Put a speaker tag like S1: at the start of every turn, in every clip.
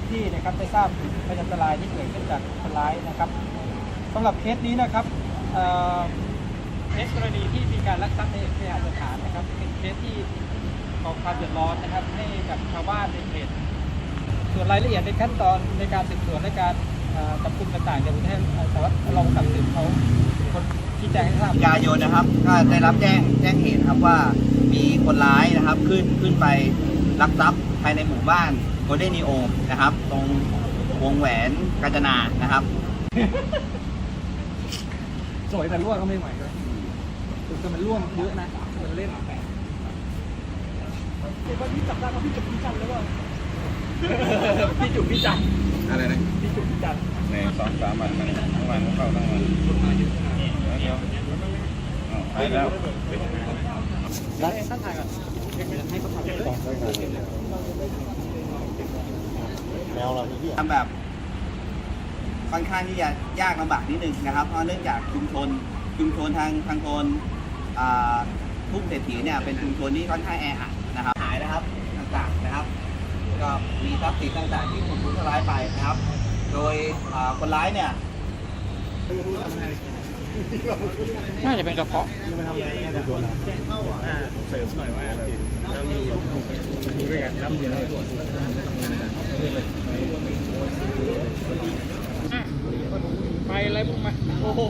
S1: ที่นะครับได้ทราบถึงพยันตรายที่เกิดขึ้นจากคนร้ายนะครับสำหรับเคสนี้นะครับเคสกรณีที่มีการลักทรัพย์ในเคหสถานนะครับเป็นเคสที่ก่อความเดือดร้อนนะครับให้กับชาวบ้านในเขตส่วนรายละเอียดในขั้นตอนในการสืบสวนและการจับกุมต่างๆเดี๋ยวผมให้สารวัตรรองตัดสินเขาคนชี้แจงให้ทราบ
S2: ยายนนะครับก็ได้รับแจ้งเหตุครับว่ามีคนร้ายนะครับขึ้นไปลักทรัพย์ภายในหมู่บ้านโกลเด้นนีโอนะครับตรงวงแหวนกาญจนานะครับ
S1: สวยแต่ร่วงก็ไม่ไหวเลยแต่มันร่วงเยอะนะมันเล่นเดี๋ยววันนี้จับได้ก็พี่จุกพี่จันเลยว่าพี่จุกพี่จัน
S3: อะไรนะ
S1: พี่จุกพี่จัน
S3: ใน2-3 วันทั้งวันเข้าทั้งวันเดี๋ยวไปแล้ว
S1: แล้วท่านถ่ายก่อนให้เขาถ่ายเลย
S2: แมวเราที่ทำแบบค่อนข้างที่จะยากลำบากนิดนึงนะครับเพราะเนื่องจากชุมชนทางโซนทุ่งเศรษฐีเนี่ยเป็นชุมชนที่ค่อนข้างแออัดนะครับหายนะครับต่างๆนะครับก็มีทรัพย์สินต่างๆที่ถูกทำร้ายไปนะครับโดยคนร้ายเนี่ย
S1: น่าจะเป็นกระเพาะ
S3: มันทำอะไรเนี่ยตัวเราเสริมหน่อยว่าเรามีด้วยกันรับเยอะ
S1: ไปอะไรพวกมันโอ้โห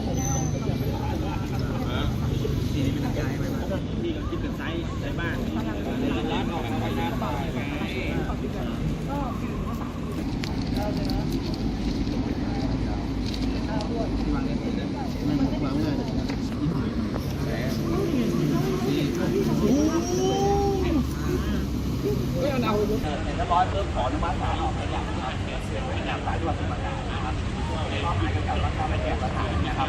S3: นี่เป็นใจไหมนี่ก็คิดเป็นไซส์ในบ้าน
S1: ร้านออกไปงานป่า
S2: เห็นแล้วร้อยเริ่มขออนุมัติศาลออกหมายจับนะครับเป็นนามสารจังหวัดสมุทรปราการนะครับข้อหาเกี่ยวกับลักทรัพย์และแอบสถานนะครับ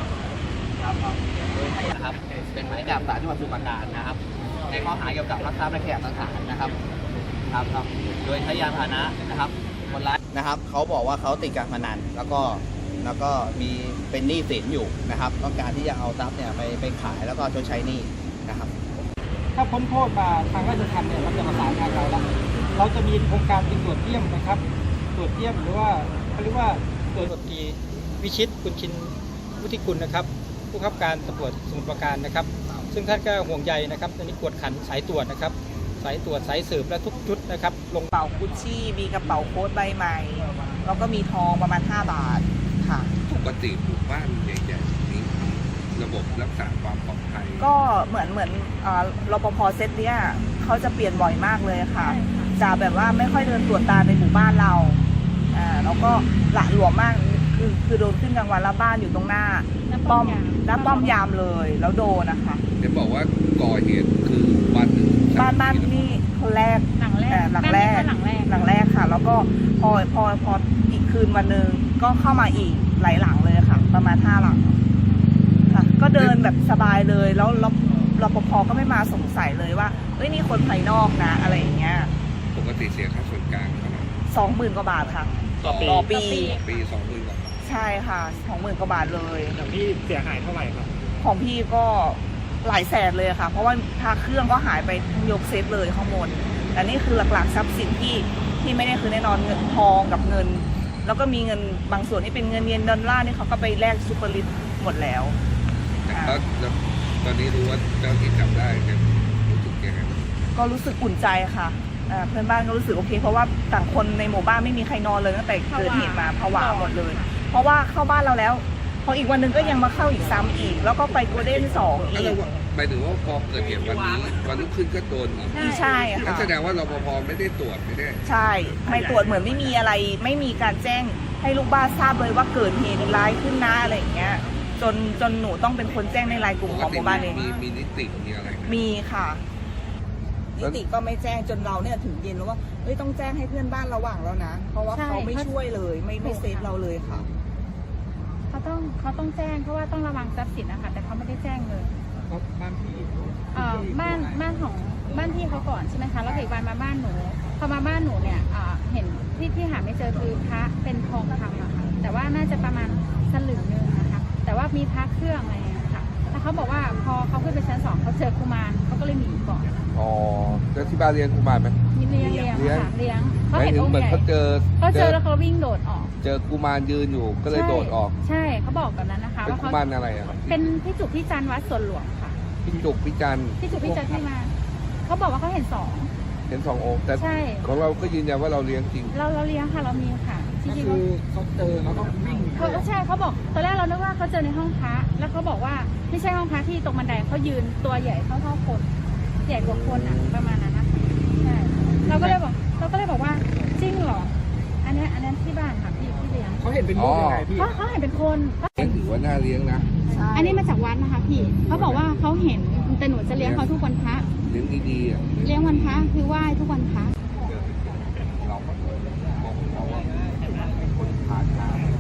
S2: นะครับเป็นหมายจับศาลจังหวัดสมุทรปราการนะครับในข้อหาเกี่ยวกับลักทรัพย์และแอบสถานนะครับครับโดยใช้ยานพาหนะนะครับคนร้ายนะครับเขาบอกว่าเขาติดการพนันแล้วก็มีเป็นหนี้สินอยู่นะครับต้องการที่จะเอาทรัพย์เนี่ยไปขายแล้วก็ชดใช้หนี้นะครับ
S1: ถ้าพ้นโทษมาทางราชทัณฑ์เนี่ยมันจะประสานทางเราแล้วเราจะมีโครงการเป็นตรวจเยี่ยมนะครับตรวจเยี่ยมหรือว่าเขาเรียกว่าตรวจตรีวิชิตคุณชินวุฒิกุลนะครับผู้บังคับการตำรวจสมุทรปราการนะครับซึ่งท่านก็ห่วงใยนะครับตอนนี้กวดขันสายตรวจนะครับสายตรวจสายสืบและทุกชุดนะครับ
S4: ลงเป๋ากุชชี่มีกระเป๋าโค้ทใบใหม่แล้วก็มีทองประมาณ5 บาทค่ะ
S3: ปกติหมู่บ้านใหญ่ๆนี้ระบบรักษาความปลอดภัย
S4: ก็เหมือนรปภเซตเนี้ยเขาจะเปลี่ยนบ่อยมากเลยค่ะจะแบบว่าไม่ค่อยเดินตรวจตาในหมู่บ้านเราแล้วก็หละหลวมมากคือโดนขึ้นกลางวันแล้วบ้านอยู่ตรงหน้าป้อมยามเลยแล้วโดนนะคะ
S3: เดี๋ยวบอกว่าก่อเหตุคือบ้าน
S4: นี่คนแรกหลังแรกค่ะแล้วก็พออีกคืนวันหนึ่งก็เข้ามาอีกหลายหลังเลยค่ะประมาณ5 หลังค่ะก็เดินแบบสบายเลยแล้วรปภก็ไม่มาสงสัยเลยว่าเฮ้ยนี่คนภายนอกนะอะไรอย่างเงี้ย
S3: ปกติเสียค่าส่วนกลางเท่าไหร่
S4: 20,000 กว่าบาทค่ะ
S3: ต่อปี20,000 กว่า
S4: ใช่ค่ะ20,000 กว่าบาทเลย
S1: แต่พี่เสียหายเท่าไหร่ครับ
S4: ของพี่ก็หลายแสนเลยค่ะเพราะว่าพาเครื่องก็หายไปทั้งยกเซตเลยข้างบนแต่นี่คือหลักๆทรัพย์สินที่ไม่ได้คือแน่นอนเงินทองกับเงินแล้วก็มีเงินบางส่วนที่เป็นเงินเยนดอลลาร์นี่เขาก็ไปแลกซูเปอร์ลิตหมดแล้ว
S3: ตอนนี้รู้ว่าเจ้าที่จับได้จะรู้สึกยังไง
S4: ก็รู้สึกอุ่นใจค่ะเพื่อนบ้านก็รู้สึกโอเคเพราะว่าต่างคนในหมู่บ้านไม่มีใครนอนเลยตั้งแต่เกิดเหตุมาผวาหมดเลยเพราะว่าเข้าบ้านเราแล้วพออีกวันนึงก็ยังมาเข้าอีกซ้ำอีกแล้วก็ไปโกลเด้น2อีก
S3: หมายถึงว่าพอเกิดเหตุวันนี้วันรุ่งขึ้นก็โดนอีก
S4: ใช่ค่ะ
S3: แสดงว่ารปภไม่ได้ตรวจไม่ได้
S4: ใช่ไม่ตรวจเหมือนไม่มีอะไรไม่มีการแจ้งให้ลูกบ้านทราบเลยว่าเกิดเหตุร้ายขึ้นนะอะไรอย่างเงี้ยจนหนูต้องเป็นคนแจ้งในไลน์กลุ่มของหมู่บ้านเอง
S3: มีนิติมีอะไร
S4: มีค่ะนิติก็ไม่แจ้งจนเราเนี่ยถึงเย็นแล้วว่าเฮ้ยต้องแจ้งให้เพื่อนบ้านระหว่างแล้วนะเพราะว่าเขาไม่ช่วยเลยไม่เซฟเราเลยค่ะ
S5: เขาต้องแจ้งเพราะว่าต้องระวังทรัพย์สินนะคะแต่เขาไม่ได้แจ้งเลย
S1: บ้านพี่
S5: บ้านพี่เขาก่อนใช่ไหมคะแล้วอีกวันมาบ้านหนูพอมาบ้านหนูเนี่ยเห็นที่หาไม่เจอคือพระเป็นทองคำอะค่ะแต่ว่าน่าจะประมาณสลึงนึงนะคะแต่ว่ามีพระเครื่องอะไรอย่างเงี้ยค่ะแล้วเขาบอกว่าพอเขาขึ้นไปชั้น 2เขาเจอกุมารเขาก็เลยหนีก่อน
S6: อ๋อแล้วที่บ้านเลี้ยงกุมารไหม
S5: เลี้ยงค่ะเลี้ยงเขา
S6: หมาย
S5: เห็น
S6: ถึง
S5: องค์
S6: เหมือน
S5: ใหญ่
S6: เขาเจอ
S5: แล้วเขาวิ่งโดดออก
S6: เจอกุมารยืนอยู่ก็เลยโดดออก
S5: ใช่เขาบอกแบบนั้นนะคะ
S6: เป็น
S5: ว่า
S6: กุ
S5: เขา
S6: มารอะไรอ่ะ
S5: เป็นพี่จุกพี่จันทร์วัดสวนหลวงค่ะ
S6: พี่จุกพี่จันทร์
S5: พี่จุกพี่จันทร์ที่มาเขาบอกว่าเขาเห็น
S6: เห็น2 องค์แต่
S5: ใช่
S6: ของเราก็ยืนยันว่าเราเลี้ยงจริง
S5: เราเลี้ยงค่ะเรามีค่ะจริงๆ
S1: คือเขาเจอเขาก็วิ่ง
S5: เขาใช่เขาบอกตอนแรกเรานึกว่าเขาเจอในห้องพระแล้วเขาบอกว่าไม่ใช่ห้องพระที่ตรงบันไดเขายืนตัวใหญ่เท่าคนใหญ่กว่าคนอ่ะประมาณนั้นนะคะใช่เราก็เลยบอกว่าจริงเหรออันนี้ที่บ้านค่ะพี่เลี้ยง
S1: เขาเห็นเป็นรูปยังไงพี่
S5: เขาเห็นเป็นคน
S6: เลี้ยงถือว่าน่าเลี้ยงนะ
S5: อันนี้มาจากวัดนะคะพี่เขาบอกว่าเขาเห็นแต่หนูจะเลี้ยงเขาทุกวันพระ
S6: เลี้ยงดีๆอ่ะ
S5: เลี้ยงวันพระคือไหว้ทุกวันพระ
S6: เราก็มองเราว่าเป็นคนผ่านทาง